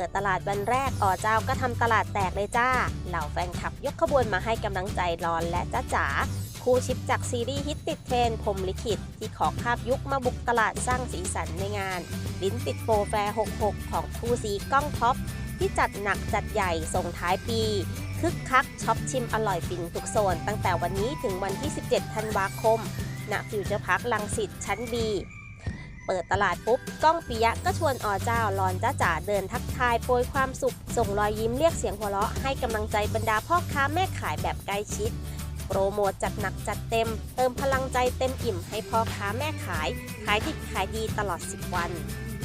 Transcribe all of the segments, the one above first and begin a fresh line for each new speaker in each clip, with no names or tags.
ปิดตลาดวันแรกเจ้าก็ทำตลาดแตกเลยจ้าเหล่าแฟนคลับยกขบวนมาให้กำลังใจรอนและจ้าจ๋าคู่ชิปจากซีรีส์ฮิตติดเทรนด์พรหมลิขิตที่ขอคาบยุคมาบุกตลาดสร้างสีสันในงานลิ้นติดโปรแฟร์ 66 ของคู่ซีก้องท็อปที่จัดหนักจัดใหญ่ส่งท้ายปีคึกคักช็อปชิมอร่อยฟินทุกโซนตั้งแต่วันนี้ถึงวันที่ 17 ธันวาคมณฟิวเจอร์พาร์ครังสิตชั้น Bเปิดตลาดปุ๊บก้องปิยะก็ชวนเจ้ารอนจ้าจ๋าเดินทักทายโปรยความสุขส่งรอยยิ้มเรียกเสียงหัวเราะให้กำลังใจบรรดาพ่อค้าแม่ขายแบบใกล้ชิดโปรโมทจัดหนักจัดเต็มเติมพลังใจเต็มอิ่มให้พ่อค้าแม่ขายดิบขายดีตลอด10 วัน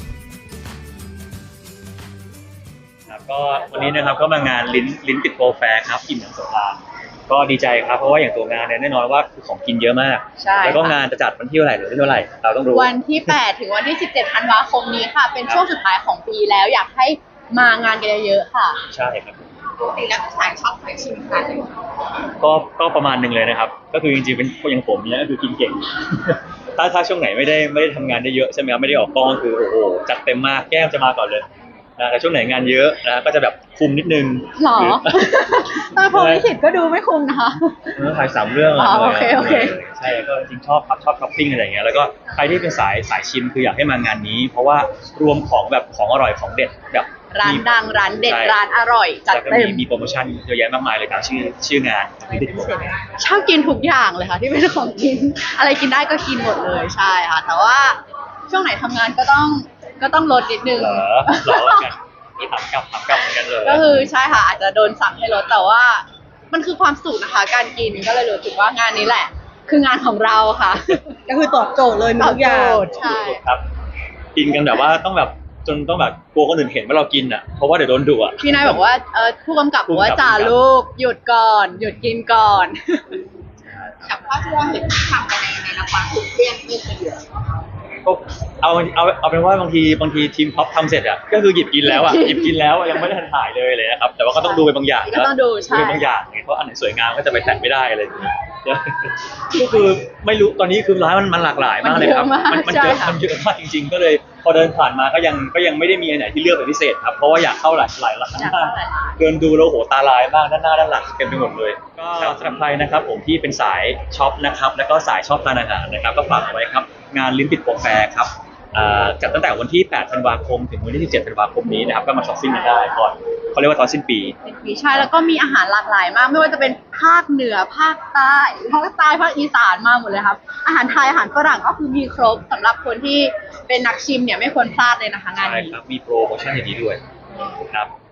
ครับก็วันนี้นะครับก็มางานลิ้นติดโปรแฟร์ครับอิ่มหนำสำราญก็ดีใจครับเพราะว่าอย่างตัวงานเนี่ยแน่นอนว่าคือของกินเยอะมากแล้วก็งานจะจัดวันที่เท่าไหร่หรือที่เท่าไหร่เราต้องรู้
วันที่8ถึงวันที่17ธันวาคมนี้ค่ะเป็นช่วงสุดท้ายของปีแล้วอยากให้มางานกันเยอะๆค่ะ
ใช่ครับ
ปกติแล้วสายช็อปสายชิมค่ะ
ก็ประมาณนึงเลยนะครับก็คือจริงๆเป็นอย่างผมเนี่ยก็คือกินเก่ง ถ้าช่วงไหนไม่ได้ทำงานได้เยอะใช่ไหมครับไม่ได้ออกกองคือโอ้โหจัดเต็มมากแก้มจะมาก่อนเลยนะแต่ช่วงไหนงานเยอะนะก็จะแบบคุมนิดนึง
หรอตอนพรหมลิขิตก็ดูไม่คุมนะคะ
ถ่าย3 เรื่อง
โอเค
ใช่ก็จริงชอบช้อปปิ้งอะไรอย่างเงี้ยแล้วก็ใครที่เป็นสายชิมคืออยากให้มางานนี้เพราะว่ารวมของแบบของอร่อยของเด็ดแบบ
ร้านดังร้านเด็ดร้านอร่อยจัดเต็ม
มีโปรโมชั่นเยอะแยะมากมายเลยตามชื่องาน
ชอบกินทุกอย่างเลยค่ะที่เป็นของกินอะไรกินได้ก็กินหมดเลยใช่ค่ะแต่ว่าช่วงไหนทำงานก็ต้องลดนิดนึง
รอกันนี่ถามกลับเหมือนกันเลย
ก็คือใช่ค่ะอาจจะโดนสั่งให้ลดแต่ว่ามันคือความสุขนะคะการกินก็เลยรู้สึกว่างานนี้แหละคืองานของเราค่ะ
ก็คือตอบโจทย์เลยทุกอย่าง
ใช่
ครับกินกันแบบว่าต้องแบบจนต้องแบบกลัวคนอื่นเห็นว่าเรากินอ่ะเพราะว่าเดี๋ยวโดนดุอ่ะ
พี่นายบอกว่าผู้กำกับบอกว่าจ่าลูกหยุดก่อนหยุดกินก่อนกับภาพที่เราเห็นทำกันในละครถูกเลี่ยงไม่เคยเหลือ
ก็เอาเป็นว่าบางทีทีมท็อปทำเสร็จอ่ะก็คือหยิบกินแล้วอ่ะหยิบกินแล้วยังไม่ได้ทันถ่ายเลยนะครับแต่ว่าก็ต้องดูไปบางอย่าง
ก็ต้องดูใช่
บางอย่างเพราะอันไหนสวยงามก็จะไปแตะไม่ได้อะไรอย่างเงี้ยก็คือไม่รู้ตอนนี้คือร้านมันหลากหลายมากเลยครับมันเยอะมากจริงๆก็เลยพอเดินผ่านมาก็ยังไม่ได้มีอันไหนที่เลือกเป็นพิเศษครับเพราะว่าอยากเข้าหลายร้านมากเดินดูแล้วโหตาลายมากด้านหน้าด้านหลังเต็มไปหมดเลยก็สำหรับใครนะครับผมที่เป็นสายช็อปนะครับแล้วก็สายชอบทานอาหารนะครับก็ฝากไว้ครับงานลิ้นติดโปรแฟร์ครับจัดตั้งแต่วันที่8ธันวาคมถึงวันที่17ธันวาคมนี้นะครับก็มาช้อปปิ้งกันได้ก่อนเขาเรียกว่าตอนสิ้นปี
ใช่แล้วก็มีอาหารหลากหลายมากไม่ว่าจะเป็นภาคเหนือภาคใต้ภาคอีสานมาหมดเลยครับอาหารไทยอาหารฝรั่งก็คือมีครบสำหรับคนที่เป็นนักชิมเนี่ยไม่ควรพลาดเลยนะคะงานนี้
ใช่ครับมีโปรโมชั่นอย่างนี้ด้วยครับ